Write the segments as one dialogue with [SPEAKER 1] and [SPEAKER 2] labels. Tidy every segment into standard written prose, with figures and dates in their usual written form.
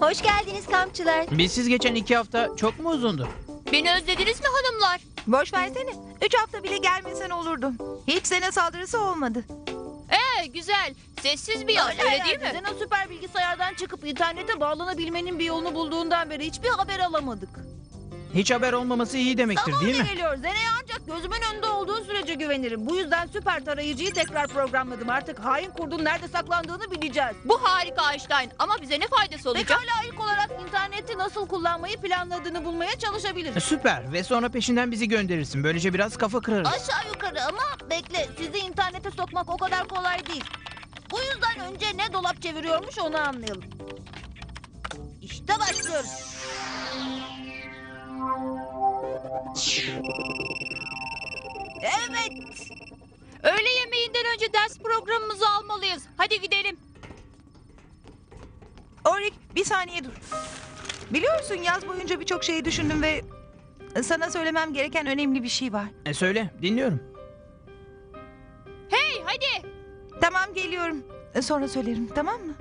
[SPEAKER 1] Hoş geldiniz kampçılar.
[SPEAKER 2] Bizsiz geçen 2 hafta çok mu uzundu?
[SPEAKER 3] Beni özlediniz mi hanımlar?
[SPEAKER 4] Boş versene. 3 hafta bile gelmesen olurdu. Hiç sene saldırısı olmadı.
[SPEAKER 3] Güzel. Sessiz bir yaz öyle değil mi?
[SPEAKER 5] Zena süper bilgisayardan çıkıp internete bağlanabilmenin bir yolunu bulduğundan beri hiçbir haber alamadık.
[SPEAKER 2] Hiç haber olmaması iyi demektir değil mi?
[SPEAKER 5] Geliyor. Zena'ya ancak gözümün önünde olduğu sürece güvenirim. Bu yüzden süper tarayıcıyı tekrar programladım. Artık hain kurdun nerede saklandığını bileceğiz.
[SPEAKER 3] Bu harika Einstein ama bize ne faydası olacak?
[SPEAKER 5] Pekala ilk olarak interneti nasıl kullanmayı planladığını bulmaya çalışabiliriz.
[SPEAKER 2] Süper ve sonra peşinden bizi gönderirsin. Böylece biraz kafa kırarız.
[SPEAKER 5] Aşağı yukarı ama bekle sizi internete sokmak o kadar kolay değil. Bu yüzden önce ne dolap çeviriyormuş onu anlayalım. İşte başlıyoruz. Evet.
[SPEAKER 3] Öğle yemeğinden önce ders programımızı almalıyız. Hadi gidelim.
[SPEAKER 4] Orik, bir saniye dur. Biliyorsun yaz boyunca birçok şeyi düşündüm ve sana söylemem gereken önemli bir şey var.
[SPEAKER 2] Söyle, dinliyorum.
[SPEAKER 3] Hey hadi.
[SPEAKER 4] Tamam, geliyorum. Sonra söylerim, tamam mı?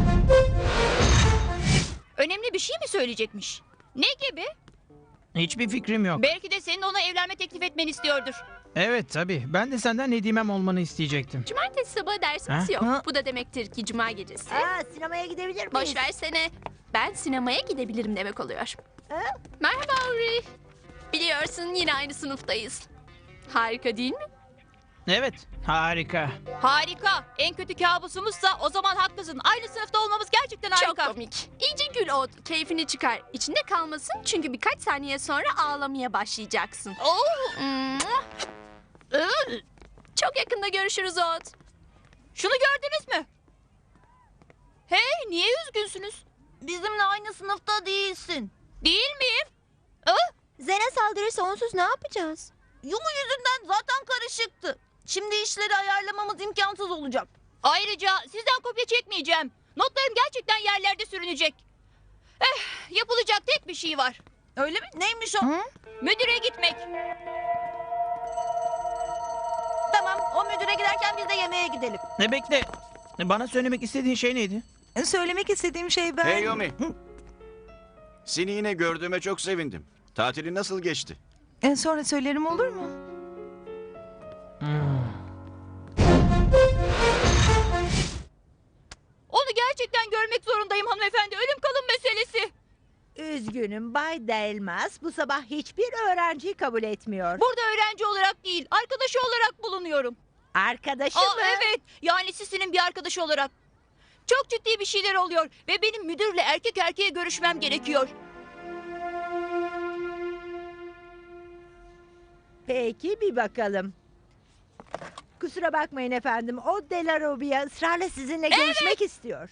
[SPEAKER 3] Önemli bir şey mi söyleyecekmiş? Ne gibi?
[SPEAKER 2] Hiçbir fikrim yok.
[SPEAKER 3] Belki de senin ona evlenme teklif etmeni istiyordur.
[SPEAKER 2] Evet tabii. Ben de senden Nedimem olmanı isteyecektim.
[SPEAKER 6] Cumartesi sabahı dersimiz
[SPEAKER 2] Ha?
[SPEAKER 6] yok.
[SPEAKER 4] Ha?
[SPEAKER 6] Bu da demektir ki cuma gecesi.
[SPEAKER 5] Sinemaya gidebilir miyiz?
[SPEAKER 6] Boş versene. Ben sinemaya gidebilirim demek oluyor. Merhaba Uri. Biliyorsun yine aynı sınıftayız. Harika değil mi?
[SPEAKER 2] Evet, harika.
[SPEAKER 3] Harika. En kötü kabusumuzsa o zaman haklısın. Aynı sınıfta olmamız gerçekten harika.
[SPEAKER 6] Çok komik. İyice gül o. Keyfini çıkar. İçinde kalmasın çünkü birkaç saniye sonra ağlamaya başlayacaksın.
[SPEAKER 3] Oo,
[SPEAKER 6] Mua. Çok yakında görüşürüz Ot.
[SPEAKER 3] şunu gördünüz mü? Hey niye üzgünsünüz?
[SPEAKER 5] Bizimle aynı sınıfta değilsin.
[SPEAKER 3] Değil miyim?
[SPEAKER 1] Zena saldırırsa onsuz ne yapacağız?
[SPEAKER 5] Yumu yüzünden zaten karışıktı. Şimdi işleri ayarlamamız imkansız olacak.
[SPEAKER 3] Ayrıca sizden kopya çekmeyeceğim. Notlarım gerçekten yerlerde sürünecek. Yapılacak tek bir şey var.
[SPEAKER 5] Öyle mi? Neymiş o?
[SPEAKER 3] Müdüre gitmek.
[SPEAKER 5] Tamam, o müdüre giderken biz de yemeğe gidelim.
[SPEAKER 2] Ne bekle. Bana söylemek istediğin şey neydi?
[SPEAKER 4] Söylemek istediğim şey ben...
[SPEAKER 7] Hey Yomi. Seni yine gördüğüme çok sevindim. Tatilin nasıl geçti?
[SPEAKER 4] Sonra söylerim, olur mu?
[SPEAKER 3] Onu gerçekten görmek zorundayım hanımefendi. Ölüm kalım meselesi.
[SPEAKER 8] Üzgünüm Bay Delmas bu sabah hiçbir öğrenciyi kabul etmiyor.
[SPEAKER 3] Burada öğrenci olarak değil, arkadaşı olarak bulunuyorum.
[SPEAKER 8] Arkadaşı mı?
[SPEAKER 3] Evet, yani Sisi'nin bir arkadaşı olarak. Çok ciddi bir şeyler oluyor ve benim müdürle erkek erkeğe görüşmem gerekiyor.
[SPEAKER 8] Peki bir bakalım. Kusura bakmayın efendim. O Delarobia ısrarla sizinle görüşmek istiyor.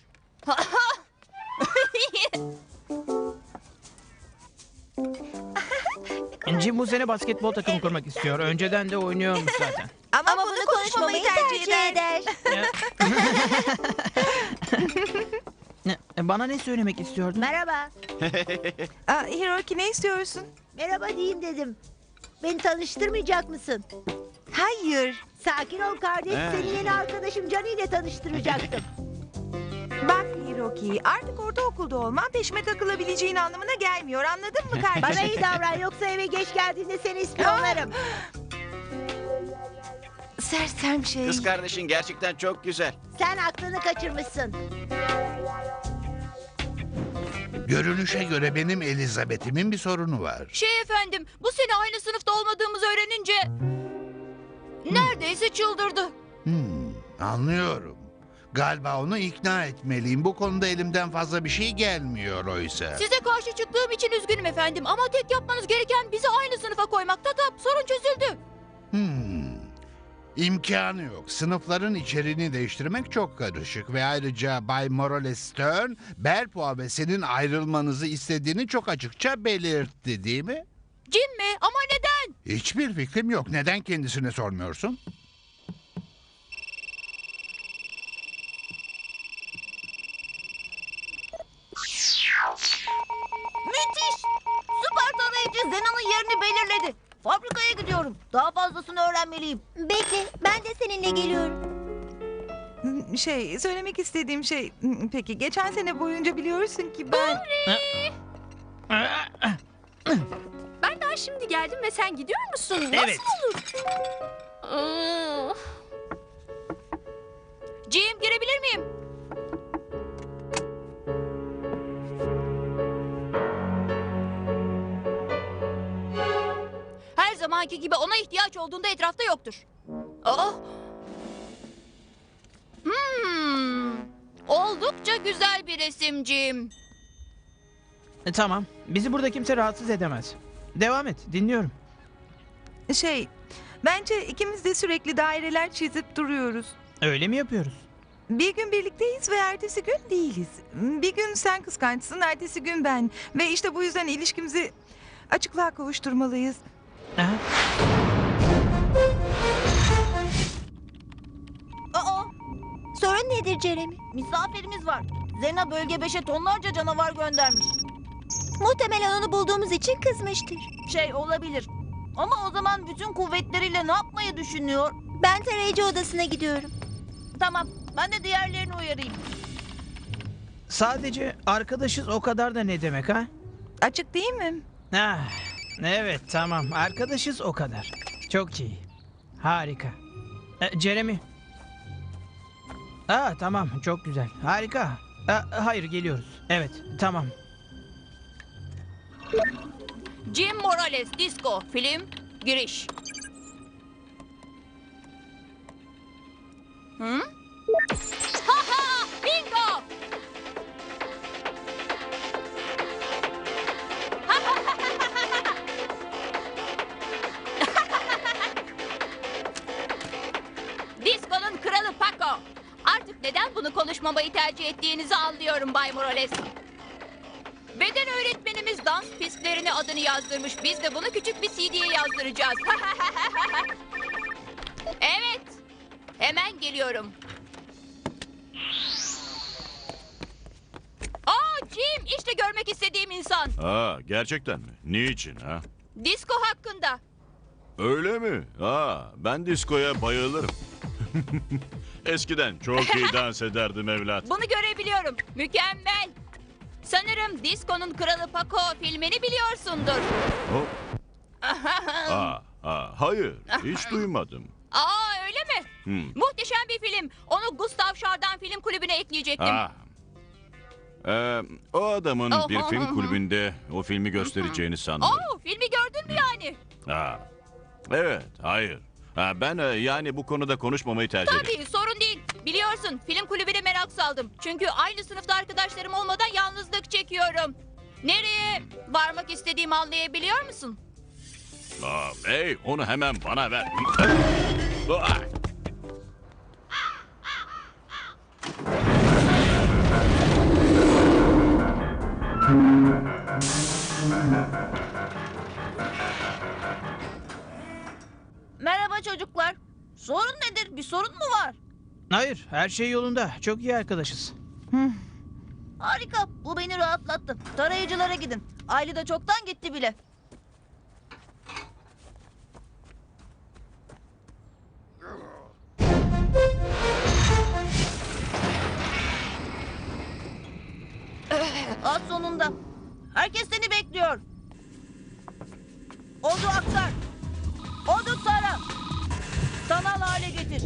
[SPEAKER 2] Jim bu sene basketbol takımı kurmak istiyor. Önceden de oynuyormuş zaten.
[SPEAKER 4] Ama bunu konuşmamayı tercih eder.
[SPEAKER 2] Bana ne söylemek istiyordun?
[SPEAKER 8] Merhaba.
[SPEAKER 4] Hiroki, ne istiyorsun?
[SPEAKER 8] Merhaba diyeyim dedim. Beni tanıştırmayacak mısın?
[SPEAKER 4] Hayır.
[SPEAKER 8] Sakin ol kardeş. Seni yeni arkadaşım Cani ile tanıştıracaktım.
[SPEAKER 4] Bak Hiroki, artık ortaokulda olman peşime takılabileceğin anlamına gelmiyor. Anladın mı kardeşim?
[SPEAKER 8] Bana iyi davran yoksa eve geç geldiğinde seni ispiyonlarım.
[SPEAKER 4] Sersem şey.
[SPEAKER 7] Kız kardeşin gerçekten çok güzel.
[SPEAKER 8] Sen aklını kaçırmışsın.
[SPEAKER 9] Görünüşe göre benim Elizabeth'imin bir sorunu var.
[SPEAKER 3] Efendim, bu sene aynı sınıfta olmadığımızı öğrenince... Neredeyse çıldırdı.
[SPEAKER 9] Anlıyorum. Galiba onu ikna etmeliyim. Bu konuda elimden fazla bir şey gelmiyor oysa.
[SPEAKER 3] Size karşı çıktığım için üzgünüm efendim ama tek yapmanız gereken bizi aynı sınıfa koymak. Tatap, sorun çözüldü.
[SPEAKER 9] İmkanı yok. Sınıfların içeriğini değiştirmek çok karışık ve ayrıca Bay Morales Stern, Belpoa ve senin ayrılmanızı istediğini çok açıkça belirtti, değil mi?
[SPEAKER 3] Jim mi? Ama neden?
[SPEAKER 9] Hiçbir fikrim yok. Neden kendisine sormuyorsun?
[SPEAKER 5] Müthiş! Süper tarayıcı Zena'nın yerini belirledi. Fabrikaya gidiyorum. Daha fazlasını öğrenmeliyim.
[SPEAKER 1] Bekle, ben de seninle geliyorum.
[SPEAKER 4] Söylemek istediğim şey... Peki, geçen sene boyunca biliyorsun ki ben...
[SPEAKER 6] Ben daha şimdi geldim ve sen gidiyor musun? Nasıl
[SPEAKER 2] Evet.
[SPEAKER 6] olur? Aa,
[SPEAKER 3] Jim, girebilir miyim? Her zamanki gibi ona ihtiyaç olduğunda etrafta yoktur. Aa! Oldukça güzel bir resim Jim.
[SPEAKER 2] Tamam. Bizi burada kimse rahatsız edemez. Devam et. Dinliyorum.
[SPEAKER 4] Bence ikimiz de sürekli daireler çizip duruyoruz.
[SPEAKER 2] Öyle mi yapıyoruz?
[SPEAKER 4] Bir gün birlikteyiz ve ertesi gün değiliz. Bir gün sen kıskançsın, ertesi gün ben. Ve işte bu yüzden ilişkimizi açıklığa kavuşturmalıyız.
[SPEAKER 2] Aha.
[SPEAKER 5] Aa,
[SPEAKER 1] Sorun nedir Jeremy?
[SPEAKER 5] misafirimiz var. Zena bölge 5'e tonlarca canavar göndermiş.
[SPEAKER 1] Muhtemelen onu bulduğumuz için kızmıştır.
[SPEAKER 5] Olabilir. Ama o zaman bütün kuvvetleriyle ne yapmayı düşünüyor?
[SPEAKER 1] Ben tarayıcı odasına gidiyorum.
[SPEAKER 5] Tamam, ben de diğerlerini uyarayım.
[SPEAKER 2] Sadece arkadaşız o kadar da ne demek ha?
[SPEAKER 4] Açık değil mi?
[SPEAKER 2] Ah, evet tamam. Arkadaşız o kadar. Çok iyi. Harika. Jeremy. Tamam çok güzel. Harika. Hayır geliyoruz. Evet tamam.
[SPEAKER 3] Jim Morales, Disco, film, giriş. Hı? Ha ha! Bingo! Disco'nun kralı Paco. Artık neden bunu konuşmamayı tercih ettiğinizi anlıyorum Bay Morales. Beden öğretmenimiz dans pistlerine adını yazdırmış. Biz de bunu küçük bir CD'ye yazdıracağız. Evet. Hemen geliyorum. Jim, işte görmek istediğim insan.
[SPEAKER 7] Gerçekten mi? Niçin ha?
[SPEAKER 3] Disco hakkında.
[SPEAKER 7] Öyle mi? Ben diskoya bayılırım. Eskiden çok iyi dans ederdim evlat.
[SPEAKER 3] Bunu görebiliyorum. Mükemmel. Sanırım Disco'nun kralı Paco filmini biliyorsundur.
[SPEAKER 7] Hop. Hayır, hiç duymadım.
[SPEAKER 3] Öyle mi? Muhteşem bir film. Onu Gustav Schardin Film Kulübü'ne ekleyecektim.
[SPEAKER 7] O adamın bir film kulübünde o filmi göstereceğini sandım.
[SPEAKER 3] Filmi gördün mü yani?
[SPEAKER 7] Evet, hayır. Ben yani bu konuda konuşmamayı tercih ederim.
[SPEAKER 3] Tabii, sorun değil. Biliyorsun, film kulübüne merak saldım. Çünkü aynı sınıfta arkadaşlarım olmadan yalnızlık çekiyorum. Nereye varmak istediğimi anlayabiliyor musun?
[SPEAKER 7] Hey, onu hemen bana ver.
[SPEAKER 5] Merhaba çocuklar. Sorun nedir? Bir sorun mu var?
[SPEAKER 2] Hayır her şey yolunda. Çok iyi arkadaşız.
[SPEAKER 5] Harika. Bu beni rahatlattı. Tarayıcılara gidin. Aile de çoktan gitti bile. Az sonunda. Herkes seni bekliyor. Odu aktar. Odu tara. Sanal hale getir.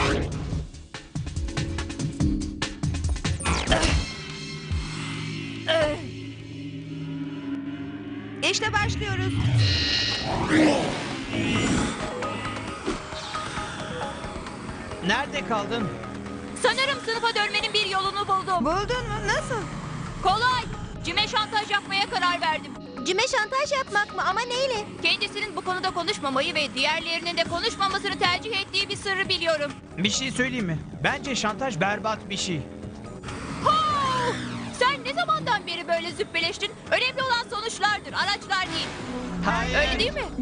[SPEAKER 4] İşte başlıyoruz.
[SPEAKER 2] Nerede kaldın?
[SPEAKER 3] Sanırım sınıfa dönmenin bir yolunu buldum.
[SPEAKER 4] Buldun mu? Nasıl?
[SPEAKER 3] Kolay. Cim'e şantaj yapmaya karar verdim.
[SPEAKER 1] Cim'e şantaj yapmak mı? Ama neyle?
[SPEAKER 3] Kendisinin bu konuda konuşmamayı ve diğerlerinin de konuşmamasını tercih ettiği bir sırrı biliyorum.
[SPEAKER 2] Bir şey söyleyeyim mi? Bence şantaj berbat bir şey.
[SPEAKER 3] Sen ne zamandan beri böyle züppeleştin? Önemli olan sonuçlardır, araçlar değil.
[SPEAKER 2] Hayır.
[SPEAKER 3] Öyle değil mi?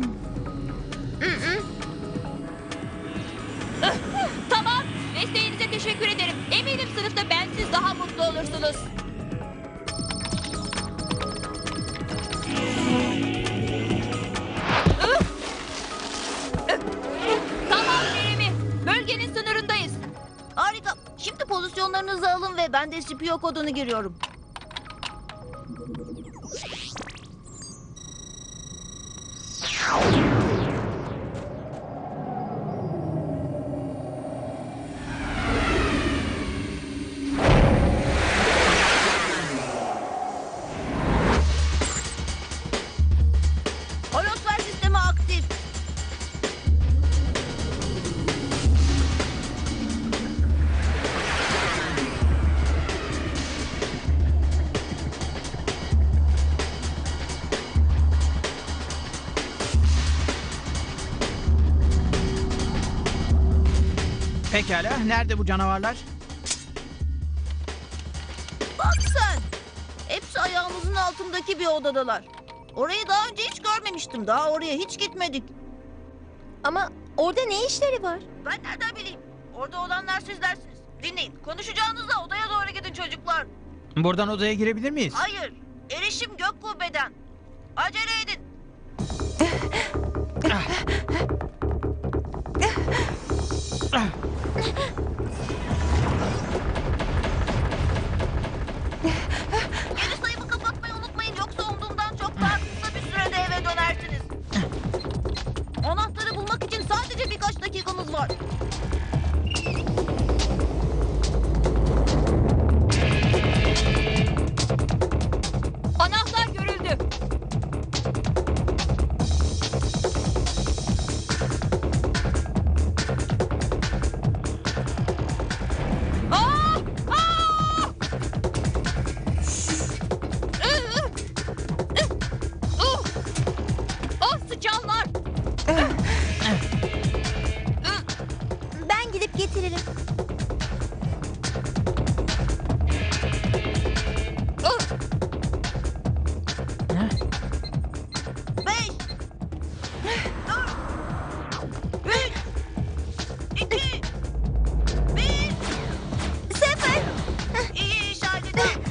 [SPEAKER 3] Tamam, desteğinize teşekkür ederim. Eminim sınıfta bensiz daha mutlu olursunuz. Tamam Jeremy, bölgenin sınırındayız.
[SPEAKER 5] Harika. Şimdi ben de Scipio kodunu giriyorum. Holosfer sistemi aktif.
[SPEAKER 2] Pekala, nerede bu canavarlar?
[SPEAKER 5] Bak sen. Hepsi ayağımızın altındaki bir odadalar. Orayı daha önce hiç görmemiştim. Daha oraya hiç gitmedik.
[SPEAKER 1] Ama orada ne işleri var?
[SPEAKER 5] Ben nereden bileyim? Orada olanlar sizlersiniz. Dinleyin. Konuşacağınızda odaya doğru gidin çocuklar.
[SPEAKER 2] Buradan odaya girebilir miyiz?
[SPEAKER 5] Hayır. Erişim gök kubbeden. Acele edin. Geri sayımı kapatmayı unutmayın. Yoksa umduğumdan çok daha kısa bir sürede eve dönersiniz. Anahtarı bulmak için sadece birkaç dakikamız var.
[SPEAKER 3] Anahtar görüldü. Aa! Aa! Oh, sıçanlar.
[SPEAKER 1] Ben gidip getiririm.
[SPEAKER 5] Beş, dört, üç, iki, bir.
[SPEAKER 1] Sıfır.
[SPEAKER 5] İyi iş halledin.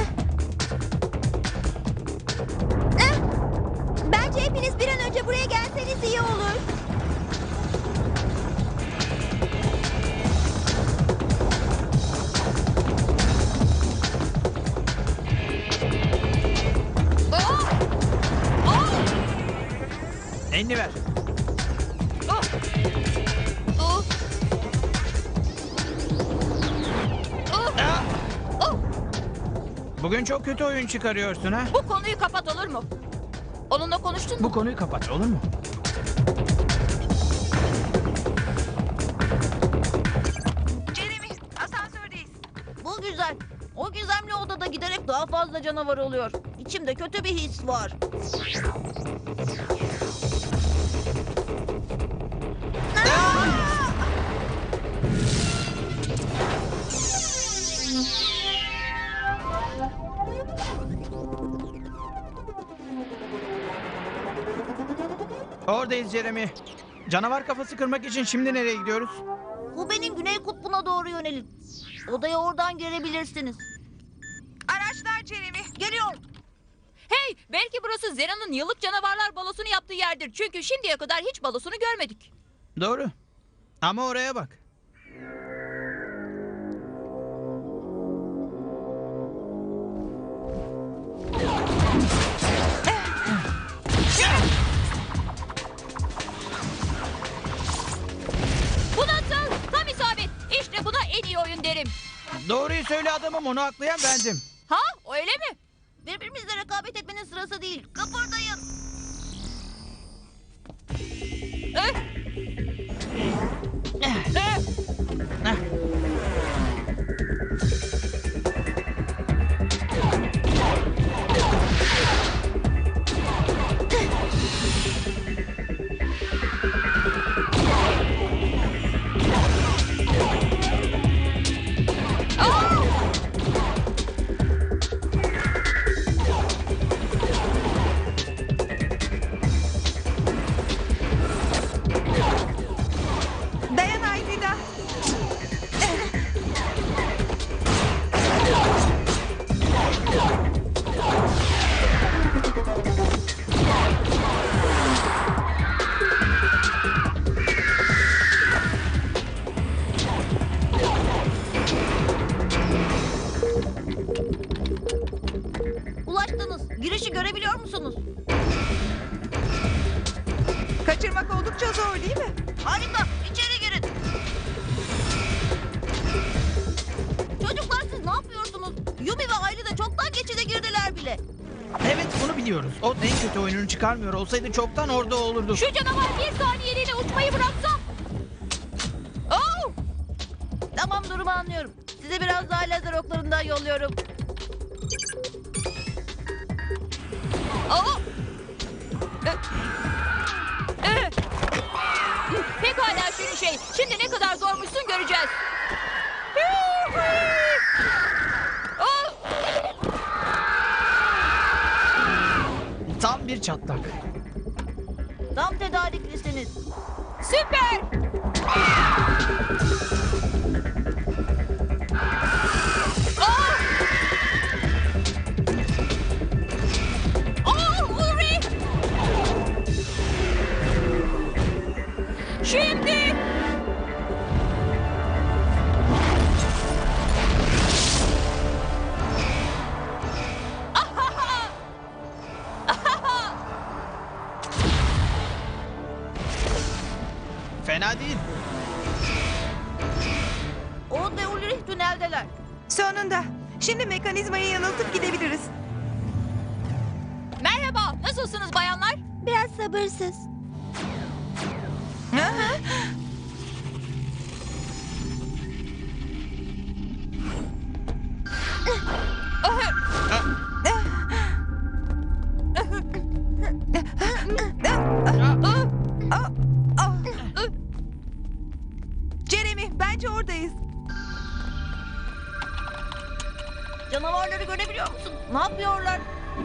[SPEAKER 1] Bence hepiniz bir an önce buraya gelseniz iyi olur.
[SPEAKER 2] Elini ver. Bugün çok kötü oyun çıkarıyorsun ha.
[SPEAKER 3] Bu konuyu kapat, olur mu? Onunla konuştun mu?
[SPEAKER 2] Bu konuyu kapat, olur mu?
[SPEAKER 4] Jeremy, asansördeyiz.
[SPEAKER 5] Bu güzel. O gizemli odada giderek daha fazla canavar oluyor. İçimde kötü bir his var.
[SPEAKER 2] Oradayız Jeremy. Canavar kafası kırmak için şimdi nereye gidiyoruz?
[SPEAKER 5] Bu benim güney kutbuna doğru yönelin. Odaya oradan girebilirsiniz.
[SPEAKER 4] Araçlar Jeremy.
[SPEAKER 5] Geliyor.
[SPEAKER 3] Hey, belki burası Zena'nın yıllık canavarlar balosunu yaptığı yerdir. Çünkü şimdiye kadar hiç balosunu görmedik.
[SPEAKER 2] Doğru. Ama oraya bak.
[SPEAKER 3] Bu nasıl? Tam isabet. İşte buna en iyi oyun derim.
[SPEAKER 2] Doğruyu söyle adamım, onu aklayan bendim.
[SPEAKER 3] Ha, öyle mi?
[SPEAKER 5] Birbirimizle rekabet etmenin sırası değil. Kıpırdayın. görebiliyor musunuz?
[SPEAKER 4] Kaçırmak oldukça zor değil mi?
[SPEAKER 5] Harika. İçeri girin. Çocuklar siz ne yapıyorsunuz? Yumi ve Ayli de çoktan geçide girdiler bile.
[SPEAKER 2] Evet bunu biliyoruz. O en kötü oyununu çıkarmıyor olsaydı çoktan orada olurdu.
[SPEAKER 3] Şu canavar bir saniyeliğine uçmayı bıraksa. Oh!
[SPEAKER 5] Tamam, durumu anlıyorum. Size biraz daha lazer oklarından yolluyorum.
[SPEAKER 3] Oh! Pekala şirin şey. Şimdi ne kadar zormuşsun göreceğiz. Oh!
[SPEAKER 2] Tam bir çatlak.
[SPEAKER 5] Tam tedariklisiniz.
[SPEAKER 3] Süper! Oh! Oh, Ulrich! Şimdi! Ahaha! Ahaha!
[SPEAKER 2] Fena değil.
[SPEAKER 5] Oğuz ve Ulrich tüneldeler.
[SPEAKER 4] Sonunda. Şimdi mekanizmayı yanıltıp gidebiliriz.
[SPEAKER 3] Merhaba, nasılsınız bayanlar?
[SPEAKER 1] Biraz sabırsız.
[SPEAKER 4] Jeremy, bence oradayız.
[SPEAKER 5] Canavarları görebiliyor musun? Ne yapıyorlar?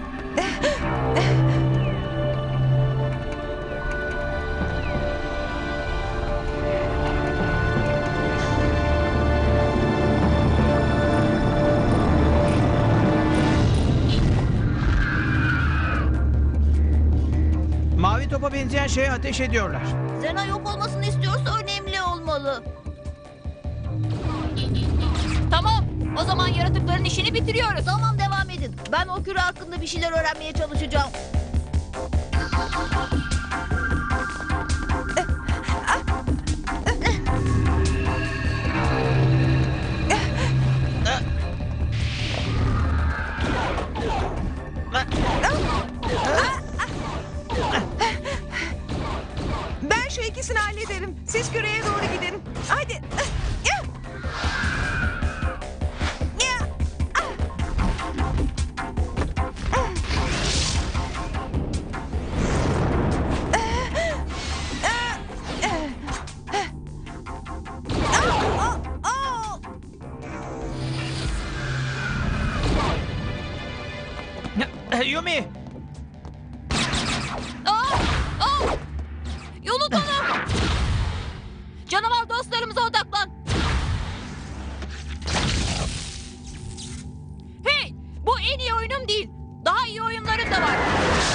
[SPEAKER 2] Mavi topa benzeyen şeye ateş ediyorlar.
[SPEAKER 5] Zena yok olmasını istiyorsa önemli olmalı.
[SPEAKER 3] Tamam, o zaman yaratıkların işini bitiriyoruz.
[SPEAKER 5] Tamam, devam edin. Ben o küre hakkında bir şeyler öğrenmeye çalışacağım.
[SPEAKER 4] Ben şu ikisini hallederim. Siz küreye doğru gidin. Hadi.
[SPEAKER 2] Yumi!
[SPEAKER 3] Yolu tanı. Canavar dostlarımıza odaklan. Hey, bu en iyi oyunum değil. Daha iyi oyunların da var.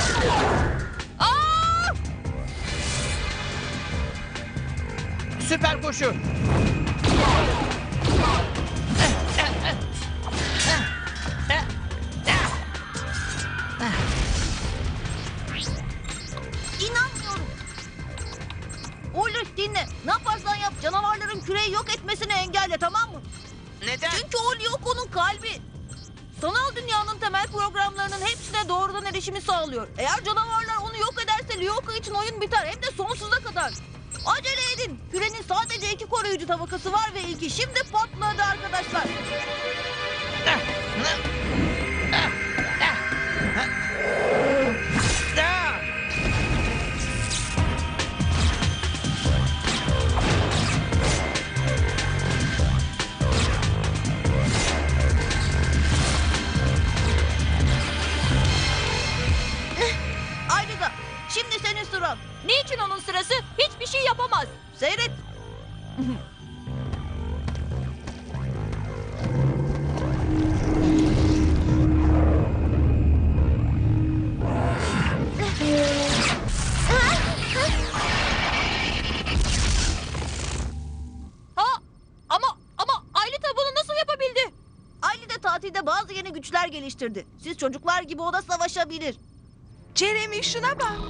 [SPEAKER 3] Aa!
[SPEAKER 2] Süper koşu.
[SPEAKER 5] İnanmıyorum. Ulrich dinle. Ne yaparsan yap canavarların küreyi yok etmesini engelle, tamam mı?
[SPEAKER 2] Neden?
[SPEAKER 5] Çünkü o Lyoko'nun kalbi. Sanal dünyanın temel programlarının hepsine doğrudan erişimi sağlıyor. Eğer canavarlar onu yok ederse Lyoko için oyun biter, hem de sonsuza kadar. Acele edin. Kürenin sadece 2 koruyucu tabakası var ve ilki şimdi patladı arkadaşlar. Ayrıca şimdi senin sıran.
[SPEAKER 3] Niçin onun sırası? Hiçbir şey yapamaz.
[SPEAKER 5] Seyret.
[SPEAKER 3] Ama Aylita bunu nasıl yapabildi?
[SPEAKER 5] Ayli de tatilde bazı yeni güçler geliştirdi. Siz çocuklar gibi o da savaşabilir.
[SPEAKER 4] Jeremy şuna bak.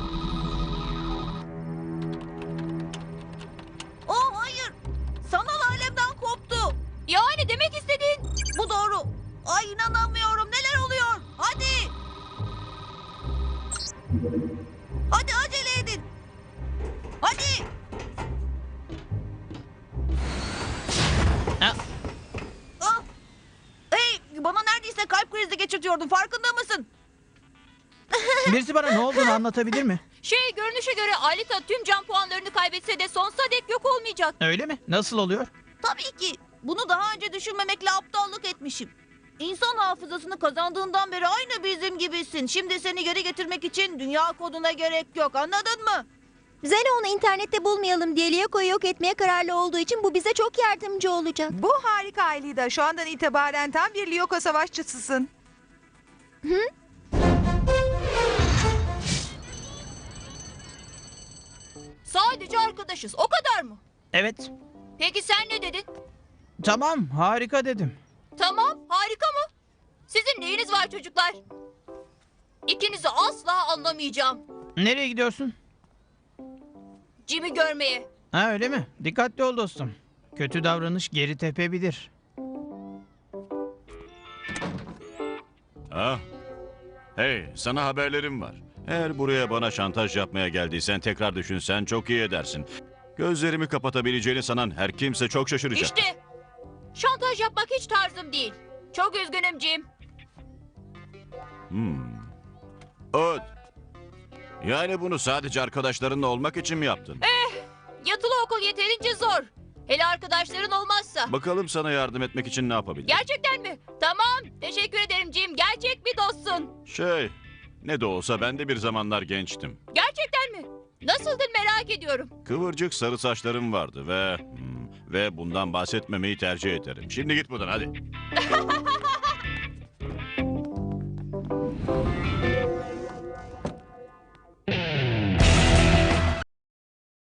[SPEAKER 5] Oh hayır. Sanal alemden koptu.
[SPEAKER 3] Yani demek istediğin...
[SPEAKER 5] Bu doğru. Ay inanamıyorum. Neler oluyor? Hadi. Hadi acele edin. Hadi.
[SPEAKER 2] Ha,
[SPEAKER 5] Ah. Hey, bana neredeyse kalp krizi geçirtiyordun. Farkında mısın?
[SPEAKER 2] birisi bana ne olduğunu anlatabilir mi?
[SPEAKER 3] Görünüşe göre Alita tüm can puanlarını kaybetse de sonsuza dek yok olmayacak.
[SPEAKER 2] Öyle mi? Nasıl oluyor?
[SPEAKER 5] Tabii ki. Bunu daha önce düşünmemekle aptallık etmişim. İnsan hafızasını kazandığından beri aynı bizim gibisin. Şimdi seni geri getirmek için dünya koduna gerek yok. Anladın mı?
[SPEAKER 1] Zeno onu internette bulmayalım diye Lyoko'yu yok etmeye kararlı olduğu için bu bize çok yardımcı olacak.
[SPEAKER 4] Bu harika Aylida. Şu andan itibaren tam bir Lyoko savaşçısısın.
[SPEAKER 3] Sadece arkadaşız. O kadar mı?
[SPEAKER 2] Evet.
[SPEAKER 3] Peki sen ne dedin?
[SPEAKER 2] Tamam, harika dedim.
[SPEAKER 3] Tamam, harika mı? Sizin neyiniz var çocuklar? İkinizi asla anlamayacağım.
[SPEAKER 2] Nereye gidiyorsun?
[SPEAKER 3] Jim'i görmeye.
[SPEAKER 2] Ha öyle mi? Dikkatli ol dostum. Kötü davranış geri tepebilir.
[SPEAKER 7] Ha? Hey, sana haberlerim var. Eğer buraya bana şantaj yapmaya geldiysen tekrar düşünsen çok iyi edersin. Gözlerimi kapatabileceğini sanan her kimse çok şaşıracak.
[SPEAKER 3] İşte şantaj yapmak hiç tarzım değil. Çok üzgünüm Jim.
[SPEAKER 7] Öt. Yani bunu sadece arkadaşlarınla olmak için mi yaptın?
[SPEAKER 3] Yatılı okul yeterince zor. Hele arkadaşların olmazsa.
[SPEAKER 7] Bakalım sana yardım etmek için ne yapabilirim?
[SPEAKER 3] Gerçekten mi? Tamam. Teşekkür ederim Jim. Gerçek bir dostsun.
[SPEAKER 7] Ne de olsa ben de bir zamanlar gençtim.
[SPEAKER 3] Gerçekten mi? Nasıldın merak ediyorum.
[SPEAKER 7] Kıvırcık sarı saçlarım vardı ve bundan bahsetmemeyi tercih ederim. Şimdi git buradan hadi.